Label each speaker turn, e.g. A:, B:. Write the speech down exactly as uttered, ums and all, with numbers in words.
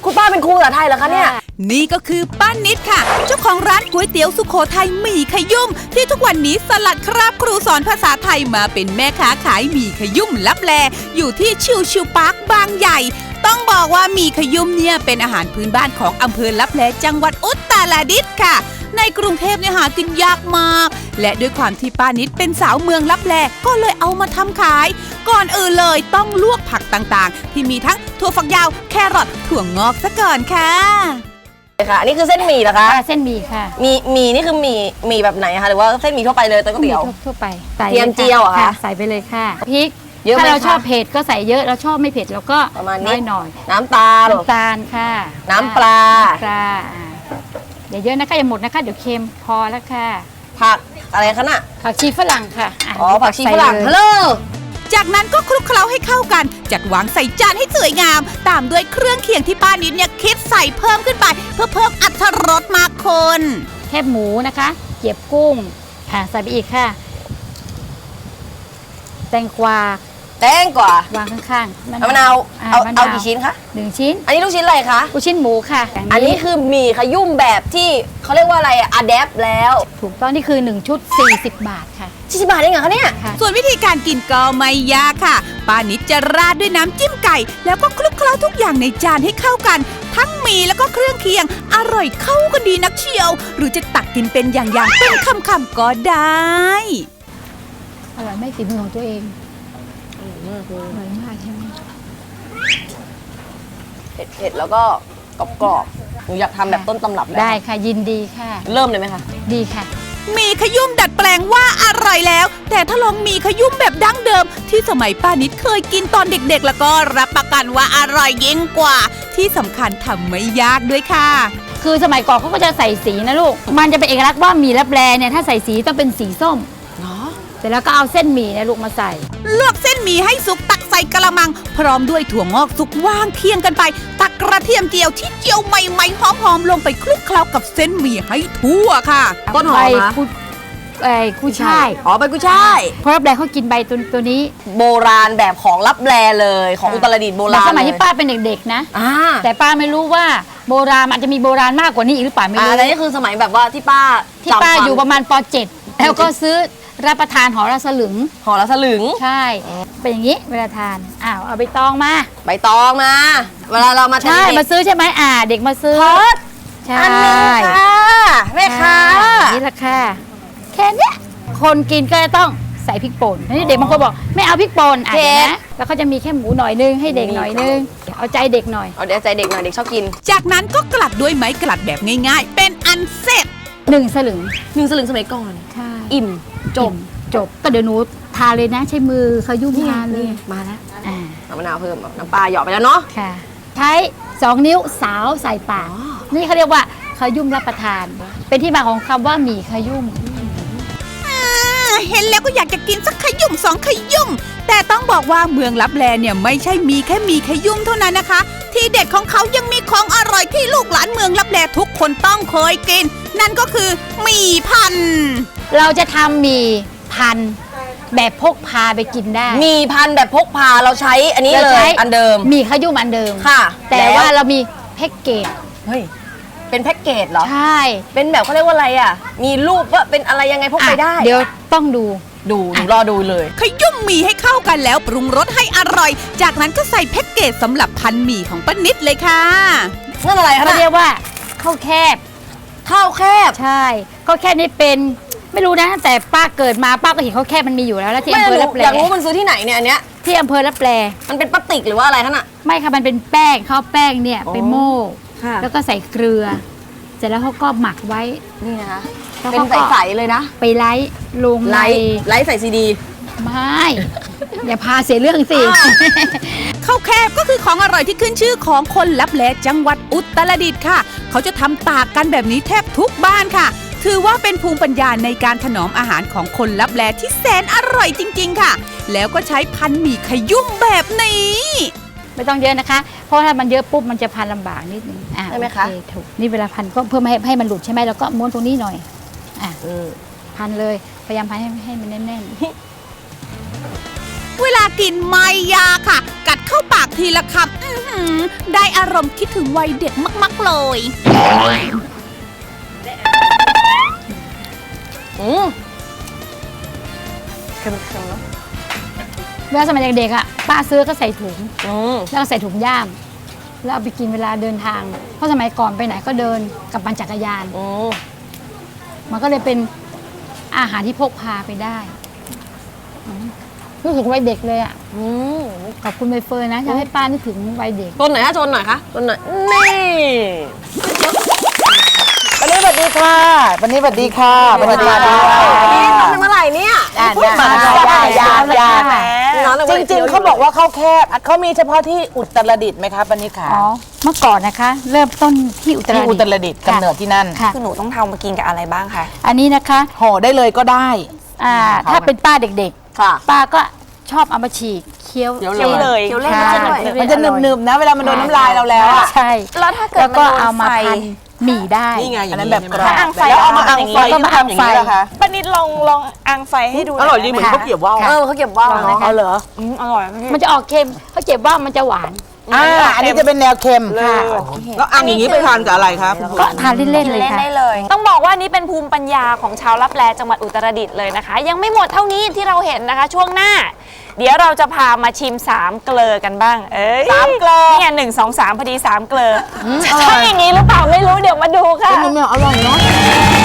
A: คุณป้าเป็นครูภาษาไทยเหรอคะเนี่ย
B: นี่ก็คือป้านิดค่ะเจ้าของร้านก๋วยเตี๋ยวสุโขทัยหมี่ขยุ่มที่ทุกวันนี้สลัดคราบครูสอนภาษาไทยมาเป็นแม่ค้าขายหมี่ขยุ่มลับแลอยู่ที่ชิวชิวพาร์คบางใหญ่ต้องบอกว่าหมี่ขยุ่มเนี่ยเป็นอาหารพื้นบ้านของอำเภอลับแลจังหวัดอุตรดิตถ์ค่ะในกรุงเทพเนี่ยหากินยากมากและด้วยความที่ป้านิดเป็นสาวเมืองลับแลก็เลยเอามาทำขายก่อนอื่นเลยต้องลวกผักต่างๆที่มีทั้งถั่วฝักยาวแครอทถั่วงอกซะก่อนค่ะ
A: ค่ะอันนี้คือเส้นหมี่เหรอคะ
C: เส้นหมี่ค่ะ
A: มีหมี่นี่คือหมี่หมี่แบบไหนคะหรือว่าเส้นหมี่ทั่วไปเลยก๋วยเตี๋ยว
C: ทั่วไป
A: เทียมเจียวเหรอคะ
C: ใส่ไปเลยค่ะพริกถ้าเราชอบเผ็ดก็ใส่เยอะเราชอบไม่เผ็ดเราก็
A: ประมาณนี้
C: หน่อย
A: น้ำตาล
C: น้ำตาลค่ะ
A: น้ำปลา
C: ปลาอย่าเยอะนะคะอย่าหมดนะคะเดี๋ยวเค็มพอแล้วค่ะ
A: ผักอะไรคะน่ะ
C: ผักชีฝรั่งค่ะ
A: อ๋อผักชีฝรั่งฮัลโหล
B: จากนั้นก็คลุกเคล้าให้เข้ากันจัดวางใส่จานให้สวยงามตามด้วยเครื่องเคียงที่ป้านิดเนี่ยคิดใส่เพิ่มขึ้นไปเพื่อเพิ่มอรรถรสมากคน
C: แคบหมูนะคะเกี๊ยบกุ้งค่ะใส่ไปอีกค่ะแตงกวา
A: แตงกวาว
C: างข้างๆ
A: มะนาวเอาเอากี่ชิ้นคะ
C: หนึ่งชิ้น
A: อันนี้ลูกชิ้นอะไรคะ
C: ลูกชิ้นหมูค่ะ
A: อันนี้คือหมี่ขยุ่มแบบที่เขาเรียกว่าอะไรอะอะแดปแล้ว
C: ถูกต้องนี่คือหนึ่งชุดสี่สิบบาทค่ะ
A: สี่สิบบาทเองเหรอคะเนี่ย
B: ส่วนวิธีการกินก็ไม่ยากค่ะป้านิดจะราดด้วยน้ำจิ้มไก่แล้วก็คลุกเคล้าทุกอย่างในจานให้เข้ากันทั้งหมี่แล้วก็เครื่องเคียงอร่อยเข้ากันดีนักเชียวหรือจะตักกินเป็นอย่างๆเป็นคำๆก็ได้
C: อร่อยไม่ฝีมือของตัวเองอร่อยมากใช่ไหม
A: เผ็ดๆแล้วก็กรอบๆหนูอยากทำแบบต้นตำรับ
C: ได้ค่ะยินดีค่ะ
A: เริ่มเลยไหมคะ
C: ดีค่ะ
B: มีขยุ่มดัดแปลงว่าอร่อยแล้วแต่ถ้าลองมีขยุ่มแบบดั้งเดิมที่สมัยป้านิดเคยกินตอนเด็กๆแล้วก็รับประกันว่าอร่อยยิ่งกว่าที่สำคัญทำไม่ยากด้วยค่ะ
C: คือสมัยก่อนเขาก็จะใส่สีนะลูกมันจะเป็นเอกลักษณ์ว่าหมี่ลับแลเนี่ยถ้าใส่สีต้องเป็นสีส้ม
A: เนาะ
C: เสร็จแล้วก็เอาเส้นหมี่นะลูกมาใส่
B: ลวกเส้นหมี่ให้สุกตักใส่กระมังพร้อมด้วยถั่วงอกสุกว่างเคียงกันไปตักกระเทียมเจียวที่เจียวใหม่ๆหอมๆลงไปคลุกเคล้ากับเส้นหมี่ให้ทั่วค่ะ
A: ต้นหอมนะ
C: ไอ้กุ้ยช่าย
A: อ๋อใบกุ้ยช่าย
C: เพราะลับแลเขากินใบตัวตัวนี้
A: โบราณแบบของลับแลเลยของอุตรดิตถ์โบราณ
C: สมัยที่ป้าเป็นเด็กๆนะแต่ป้าไม่รู้ว่าโบราณมันจะมีโบราณมากกว่านี้อีกหรือเปล่าไม่รู้
A: อันนี้คือสมัยแบบว่าที่ป้า
C: ที่ป้าอยู่ประมาณป เจ็ดแล้วก็ซื้อรับประทานห่อละสลึง
A: ห่อละสลึง
C: ใช่เป็นอย่างนี้เวลาทานอ้าวเอาใบตองมา
A: ใบตองมาเวลาเรามา
C: ใช่มาซื้อใช่ไหมอ่าเด็กมาซื้อ
A: ใช่ค่ะแม่ค้า
C: นี่แหละค่ะแค่นี้คนกินก็ต้องใส่พริกป่นนี่เด็กบางคนบอกไม่เอาพริกป่นอ่ะนะแล้วเขาจะมีแค่หมูหน่อยนึงให้เด็กหน่อยนึงเอาใจเด็กหน่อย
A: เอาใจเด็กหน่อยเด็กชอบกิน
B: จากนั้นก็กลัดด้วยไม้กลัดแบบง่ายๆเป็นอันเสร็จ
C: หนึ่งสลึง
A: หนึ่งสลึงสมัยก่อน
C: ใช่
A: อิ่มจบ
C: จบก็เดี๋ยวหนูทาเลยนะใช้มือเขายุ่งทานเลย
A: มาแล้วน้ำมะนาวเพิ่มน้ำปลาหยอดไปแล้วเนาะ
C: ค่ะใช้สองนิ้วสาวใส่ปากนี่เขาเรียกว่าขยุ่มรับประทานเป็นที่มาของคำว่าหมี่ขยุ่ม
B: เห็นแล้วก็อยากจะกินสักขยุ่มสองขยุ่มแต่ต้องบอกว่าเมืองลับแลเนี่ยไม่ใช่มีแค่มีขยุ่มเท่านั้นนะคะที่เด็ดของเขายังมีของอร่อยที่ลูกหลานเมืองลับแลทุกคนต้องเคยกินนั่นก็คือหมี่พัน
C: เราจะทำหมี่พันแบบพกพาไปกินได้
A: หมี่พันแบบพกพาเราใช้อันนี้เลยอันเดิม
C: หมี่ขยุ่มอันเดิม
A: ค่ะ
C: แต่ว่าเรามีแพ็กเกจ
A: เฮ้ยเป็นแพ็กเกจเหรอ
C: ใช่
A: เป็นแบบเขาเรียกว่าอะไรอ่ะมีรูปว่าเป็นอะไรยังไงพกไปได้
C: เดี๋ยวต้องดู
A: ดูหนูรอดูเลย
B: ขยุ่มหมี่ให้เข้ากันแล้วปรุงรสให้อร่อยจากนั้นก็ใส่แพ็กเกจสำหรับพันหมี่ของป้านิดเลยค่ะ
A: นั่นอะไรคะ
C: เขาเรียกว่าข้าวแคบ
A: ข้าวแคบ
C: ใช่ข้าวแคบนี่เป็นไม่รู้นะแต่ป้าเกิดมาป้าก็เห็นข้าวแคบมันมีอยู่แล้วแล้วที่อำเภอลับแล
A: อยากรู้มันซื้อที่ไหนเนี่ยอันเนี้ย
C: ที่อำเภอลับแล
A: มันเป็นพลาสติกหรือว่าอะไรคะน่ะ
C: ไม่ค่ะมันเป็นแป้งข้าวแป้งเนี่ยไปโม่แล้วก็ใส่เกลือเสร็จแล้วเขาก็หมักไว้
A: นี่นะคะเป็นใสๆเลยนะ
C: ไปไลฟ์ลง
A: ไลฟ์ไลฟ์ใส่ซีดี
C: ไม่อย่าพาเสียเรื่องสิ
B: ข้าวแคบก็คือของอร่อยที่ขึ้นชื่อของคนลับแลจังหวัดอุตรดิตถ์ค่ะเขาจะทำตากกันแบบนี้แทบทุกบ้านค่ะถือว่าเป็นภูมิปัญญาในการถนอมอาหารของคนลับแลที่แสนอร่อยจริงๆค่ะแล้วก็ใช้พันหมี่ขยุ่มแบบนี้
C: ไม่ต้องเยอะนะคะเพราะถ้ามันเยอะปุ๊บมันจะพันลำบากนิดนึง
A: ใช่ไหมคะ
C: ถูกนี่เวลาพันก็เพื่อไม่ให้ให้มันหลุดใช่ไหมแล้วก็ม้วนตรงนี้หน่อยอ่ะพันเลยพยายามพันให้ให้มันแน่นๆ
B: เวลากินไม่ยากค่ะกัดเข้าปากทีละคำอื้อหือได้อารมณ์คิดถึงวัยเด็กมากๆเลย
A: อืมเค็มๆเนาะ
C: เวลาสมัยเด็กๆอ่ะป้าซื้อก็ใส่ถุง
A: อืม
C: แล้วก็ใส่ถุงย่ามแล้วเอาไปกินเวลาเดินทาง เพราะสมัยก่อนไปไหนก็เดินกับปั่นจักรยาน
A: อืม
C: มันก็เลยเป็นอาหารที่พกพาไปได้อืมรู้สึกวัยเด็กเลยอ่ะ
A: อืม
C: ขอบคุณใบเฟิร์นนะทำให้ป้านึกถึงวัยเด็ก
A: ชนหน่อยฮะชนหน่อยคะชนหน่อยนี่
D: วันนี้สวัสดีค่ะวันนี้สวัสดีค่ะวันนี้สวัสดี
A: นี่
D: ค่ะ
A: ทำเป็นเมื่อไหร่เนี่ย
D: อ่าน
A: พูด
D: มา
A: มา
D: อย่าอย่าอย่า
A: น้องแต่
D: จ
A: ว่า
D: ริง ๆเขาบอกว่าเขาแคบเขามีเฉพาะที่อุตรดิตถ์ไหมคะปณิขา
C: อ๋อ เมื่อก่อนนะคะ เริ่มต้นที่อุตร
D: ที่
C: ดิ
D: อุ
C: ต
D: ต
C: ถ์
D: รดิตถ์กำเนิดที่นั่น
C: ค่ะ
E: คือหนูต้องทำมากินกับอะไรบ้างคะ
C: อันนี้นะคะ
D: ห่อได้เลยก็ได้
C: อ่าถ้าเป็นป้าเด็ก
A: ค่ะ
C: ๆ ป้าก็ชอบเอามาฉีกเคี้ยว
A: เดี๋ยว
E: เคี้ยวเลย
A: เคี้ยวเล่น
C: ค่ะ
A: จะหน่อย
D: มันจะหนึบๆนะเวลามันโดนน้ำลายเราแล้วอะ
C: ใช่
E: แล้วถ้าเกิด
C: แล้วก็
E: มันโดน
C: เอามา
E: ไฟ
C: พันหมี่ได้
A: นี่ไงอย่าง
D: อันนั้น
A: นี้
D: แบบกรอบ
E: ถ้าอังไฟ
D: แล้วเอามา
E: เอา
D: อัง
E: อย่างนี้
D: ไฟ
C: แล้วก็มาอังไฟ
D: ทำย่นี้เหรอคะ
E: ป้านิดลองลองอังไฟให้ดู
D: อร่อยดีเหมือนข้าวเกรี๊ยวว่าว
A: เออเขาเก็บว่าวเนาะ
D: เอาเหรอ
E: อืมอร่อยพี่
C: มันจะออกเค็มเขาเจ็บว่ามันจะหวาน
D: อ่าอันนี้จะเป็นแนวเค็ม
C: ค่ะ
D: แล้วอังอย่างนี้ไปทานกับอะไรครับ
C: ก็ทานเล่นๆเลย
E: เล่น
C: ค่ะ
E: ได้เลย ต้องบอกว่านี่เป็นภูมิปัญญาของชาวลับแลจังหวัดอุตรดิตถ์เลยนะคะ ยังไม่หมดเท่านี้ที่เราเห็นนะคะ ช่วงหน้า เดี๋ยวเราจะพามาชิมสามเกลอกันบ้าง เอ้ย
D: สามเกลอ
E: นี่ไงหนึ่งสองสามพอดีสามเกลอใช่อย่างนี้หรือเปล่าไม่รู้เดี๋ยวมาดูค่ะ
D: เป็นยังไงอร่อยเนาะ